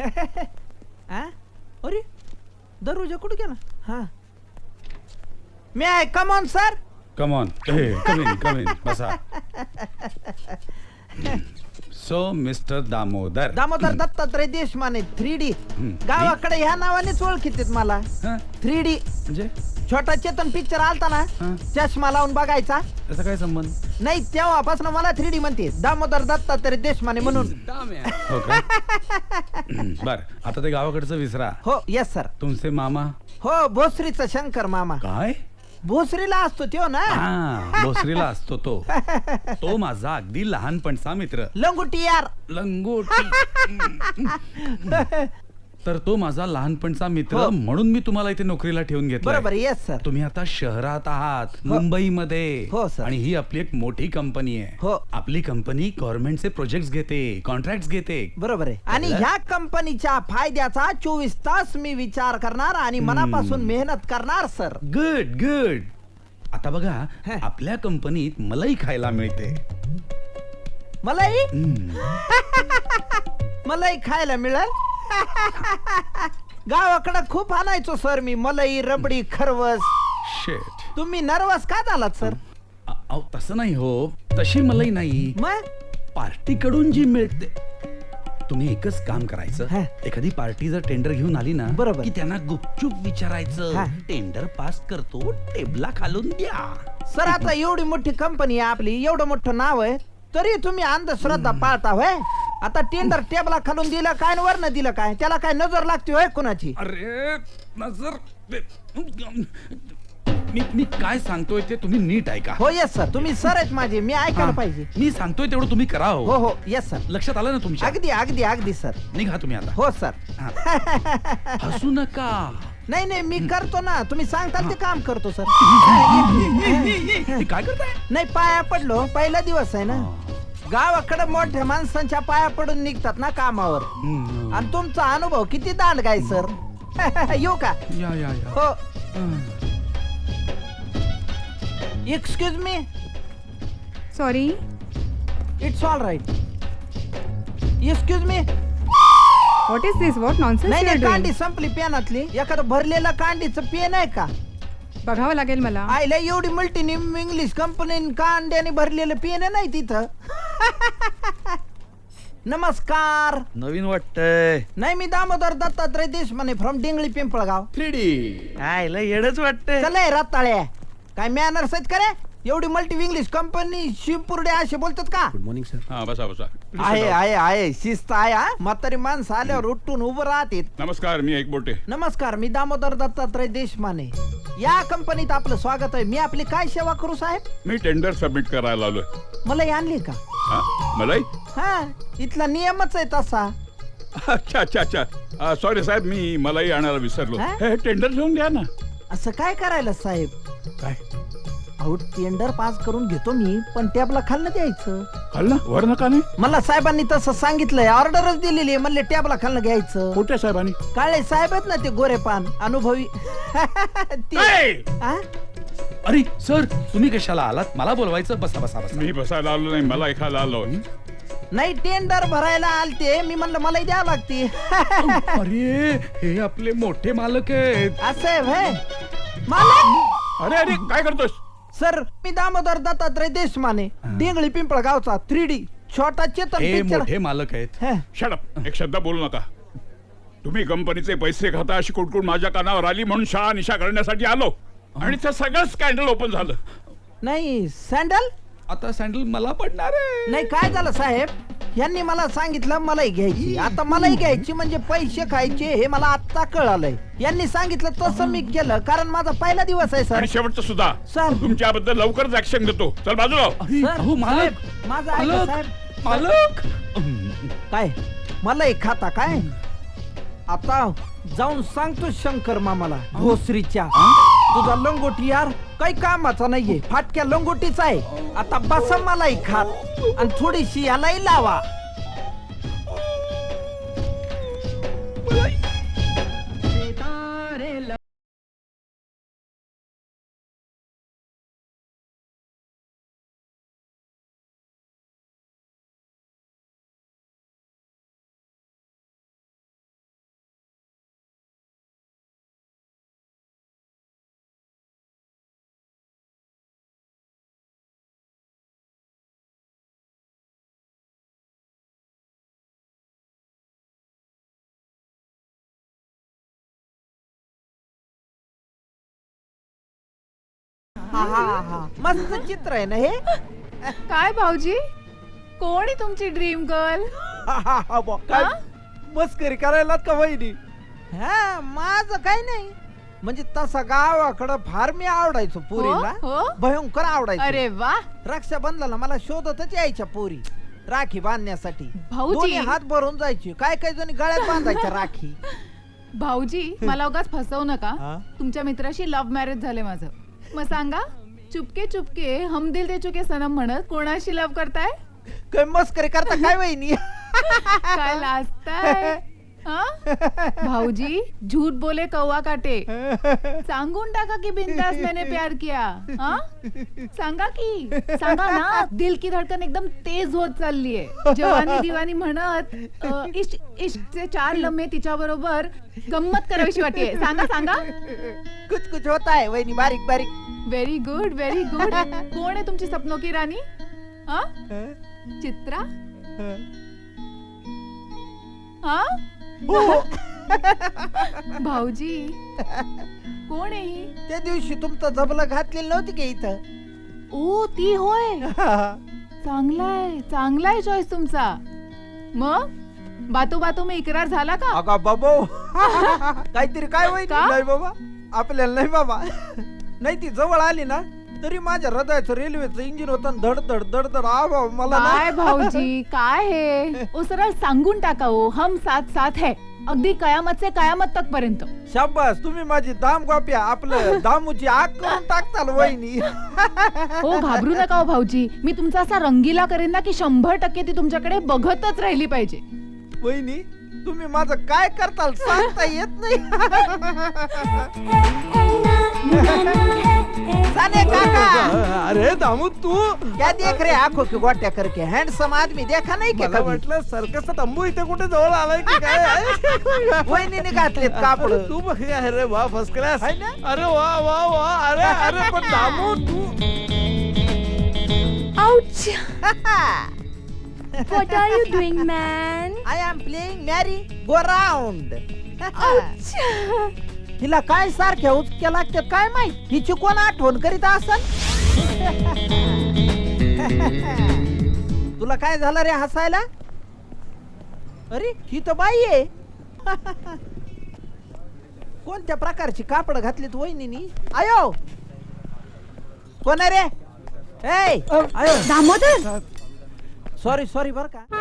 अरे दरवाजा कुठे गेला? हा मी आहे. Come on sir. Come on. Come in बसा. So mister Damodar Dattatray Deshmane 3D गावाकडे ह्या नावानेच ओळखीत मला. 3D म्हणजे छोटा चेतन पिक्चर आलता ना, चष्मा लावून बघायचा. त्याचा काय संबंध? नाही, तेव्हापासून मला 3D म्हणते, दामोदर दत्तात्रय देशमाने म्हणून. हो का? बर, आता ते गावाकडचं विसरा. हो येस सर. तुमचे मामा? हो भोसरीचा शंकर मामा. काय? भोसरीला असतो त्यो ना. भोसरीला असतो तो. तो माझा अगदी लहानपणचा मित्र. लंगोटी यार. लंगोटी. तर तो माझा लहानपणचा मित्र म्हणून मी तुम्हाला इथे नोकरीला ठेवून घेतलं. बरोबर. Yes sir. तुम्ही आता शहरात आहात, मुंबईमध्ये. हो सर. आणि ही आपली एक मोठी कंपनी आहे. हो. आपली कंपनी गव्हर्नमेंटचे प्रोजेक्ट घेते, कॉन्ट्रॅक्ट घेते. बरोबर आहे. आणि ह्या कंपनीच्या फायद्याचा 24 तास मी विचार करणार आणि मनापासून मेहनत करणार सर. Good good. आता बघा, आपल्या कंपनीत मलाई खायला मिळते. मलाई? मलाई खायला मिळेल? गावाकडे खूप आणायचो सर मी मलाई, रबडी, खरवस. शेट. तुम्ही नर्वस का झालात सर? तसं नाही हो, तशी मलाई नाही. मग पार्टी कडून जी मिळते. तुम्ही एकच काम करायचं, एखादी पार्टी जर टेंडर घेऊन आली ना, बरोबर, की त्यांना गुपचूप विचारायचं, टेंडर पास करतो, टेबला खालून द्या. सर आता एवढी मोठी कंपनी आहे आपली, एवढं मोठं नाव आहे, तरी तुम्ही अंधश्रद्धा पाळता होय? आता टेंडर टेबला खालून दिलं काय, वरनं दिलं काय, त्याला काय नजर लागते होय कुणाची? अरे नजर, मी काय सांगतोय ते तुम्ही नीट ऐका. हो येस सर. तुम्ही सर आहेत माझे, मी ऐकायला पाहिजे. मी सांगतोय तेवढं तुम्ही करा. हो हो येस सर. लक्षात आलं ना तुमच्या? अगदी अगदी अगदी सर. निघा तुम्ही आता. हो सर. हसू नका. नाही नाही, मी करतो ना, तुम्ही सांगताल ते काम करतो सर. काय करताय? नाही, पाया पडलो, पहिला दिवस आहे ना. गावाकडे मोठ्या माणसांच्या पाया पडून निघतात ना कामावर. आणि तुमचा अनुभव किती दांड काय सर. येऊ का? या या या. हो. Excuse me. Sorry. It's all right. Excuse me. What is this? What nonsense नाही यू आर नाही, कांडी डुइंग? संपली पेनातली. एखादं भरलेलं कांडीचं पेन आहे का? बघावं लागेल मला. आईला एवढी मल्टीनिम इंग्लिश कंपनी कांड्याने भरलेलं पेन नाही तिथं. नमस्कार. नवीन वाटतंय. नाही, मी दामोदर दत्तात्रय देशमाने फ्रॉम डिंगळी पिंपळगाव. 3D. आयला येडच वाटतंय. चला रताळ्या, काय मॅनर्स आहेत का रे? एवढी मल्टी इंग्लिश कंपनी शिवपुर्डे असे बोलतात का? Good morning sir. हा बसा बसा. आहे आहे आहे, शिस्त आहे. म्हातारी माणसं आल्यावर उठून उभं राहते. नमस्कार, मी एकबोटे. नमस्कार, मी दामोदर दत्तात्रय देशमाने. या कंपनीत आपलं स्वागत आहे. मी आपली काय सेवा करू साहेब? मी टेंडर सबमिट करायला आलोय. मलाई आणली का? मलाई? हा, इथला नियमच आहे तसा. अच्छा अच्छा अच्छा. सॉरी साहेब, मी मलाई आणायला विसरलो. हा? हे टेंडर घेऊन द्या ना. असं काय करायला साहेब? काय? अहो, टेंडर पास करून घेतो मी, पण टॅबला खाल्लं द्यायचं. खाल्लं? वर नका नाही. मला साहेबांनी तसं सांगितलंय, ऑर्डरच दिलेली आहे. म्हणले टॅबला खाल्लं घ्यायचं. कुठल्या साहेबांनी? काळे साहेब आहेत ना ते गोरेपान अनुभवी. आ? अरे सर, तुम्ही कशाला आलात? मला बोलवायचं. बसा बसा बसा. मी बसायला आलो नाही, मला एखादा आलो. नाही, टेंडर भरायला आलते मी, म्हणलं मला द्यावं लागते. अरे हे आपले मोठे मालक आहेत. असं आहे व्हय? मालक? अरे अरे काय करतोस? सर, मी दामोदर दत्तात्रय देशमाने, डिंगळी पिंपळ गावचा 3D छोटा चेतन हे पिक्चर. मोठे मालक आहेत. शट. एक शब्द बोलू नका. तुम्ही कंपनीचे पैसे खाता अशी कुटकुट माझ्या कानावर आली म्हणून शहा निशा करण्यासाठी आलो, आणि ते सगळं स्कॅन्डल ओपन झालं. नाही, सँडल आता सँडल मला पडणार आहे. नाही. काय झालं साहेब, यांनी मला सांगितलं मलाई घ्यायची. आता मलाई घ्यायची म्हणजे पैसे खायचे हे मला आता कळालंय. यांनी सांगितलं तसं मी केलं, कारण माझा पहिला दिवस आहे सर. आणि शेवटचं सुद्धा. सर. तुमच्याबद्दल लवकरच ऍक्शन घेतो. चल बाजूला हो. अरे, सर, अहो, मालक साहेब, माझं ऐका मालक साहेब. मालक. काय मलाई खाता काय? आता जाऊन सांगतो शंकर मामाला भोसरीच्या, तुझा लंगोटी यार काही कामाचा नाहीये, फाटक्या लंगोटीचा आहे. आता बसा मलाई खात आणि थोडीशी यालाही लावा. मस्त चित्र आहे ना हे. काय भाऊजी कोण आहे तुमची ड्रीम गर्ल काय मस्करी करायला का वहिनी? हा माझं काय नाही, म्हणजे तसा गावाकडं फार मी आवडायचो पोरीला, हो? भयंकर आवडायचो. अरे वा रक्षाबंधनाला मला शोधतच यायच्या पोरी राखी बांधण्यासाठी. भाऊजी. दोन्ही हात भरून जायची, काय काय जणी गळ्यात बांधायच्या राखी. भाऊजी मला उगाच फसवू नका. हा? तुमच्या मित्राशी लव्ह मॅरेज झाले माझं. मग सांगा चुपके चुपके हम दिल दे चुके सनम म्हणत कोणाशी लव्ह करताय? काय मस्करी करता काय वहिनी? काय लाजताय हा? भाऊजी झूठ बोले कौवा काटे. सांगून टाका की बिंदास मैंने प्यार किया. हा? सांगा सांगा ना. दिल की धडकन एकदम तेज होत चाललीये. जवानी दिवानी म्हणत इश्क इश्कचे 4 लम्हे तिच्या बरोबर गंमत करावीशी वाटते. सांगा कुछ कुछ होता है वहिनी, बारीक बारीक. Very good very good. कोण आहे तुमची सपनों की रानी? हा? चित्रा? हा? भाऊजी कोण आहे ही? त्या दिवशी तुमचं जबलं घातलेलं नव्हती का इथं? ओ ती होय. चांगलाय चॉईस तुमचा. मग बातू में इकरार झाला का? अगा बाबा काहीतरी काय वहिनी? का? नाही बाबा, आपल्याला नाही बाबा. नाही ती जवळ आली ना तरी माझ्या हृदयाचं रेल्वेचं इंजिन होतं धड धड धड धड. मला ना- काय भाऊजी काय हे? ओ सरळ सांगून टाका हो, हम साथ साथ है अगदी कयामत से कयामत तक पर्यंत. शाबास, तुम्ही माझी दाम गोप्या आपलं दामूची आग करून टाकताल वहिनी. हो घाबरू नका हो भाऊजी. मी तुमचा असा रंगीला करेन ना की 100% ती तुमच्याकडे बघतच राहिली पाहिजे. वहिनी तुम्ही माझं काय करताल सांगता येत नाही. साने काका, अरे दामू तू क्या देख रे आंखों की गोट्या करके? हैंडसम आदमी देखा नाही क्या मला कभी? वाटलं सर्कसचा तंबू इथे कुठे जवळ आलाय की काय? वहिनीने घातलेत कापड. तू बघ अरे वा फर्स्ट क्लास. है ना? अरे वा वा वा. अरे अरे पण दामू तू Ouch! What are you doing, man? I am playing Mary Go Round. Ouch! हिला काय सारख्या उचक्या लागतात काय माहित? हिची कोण आठवण करीत असन? तुला काय झालं रे हसायला? अरे ही तर बाई आहे. कोणत्या प्रकारची कापड घातलीत वहिनीनी? आयो कोण आहे रे? ए आयो दामोदर सॉरी बर का.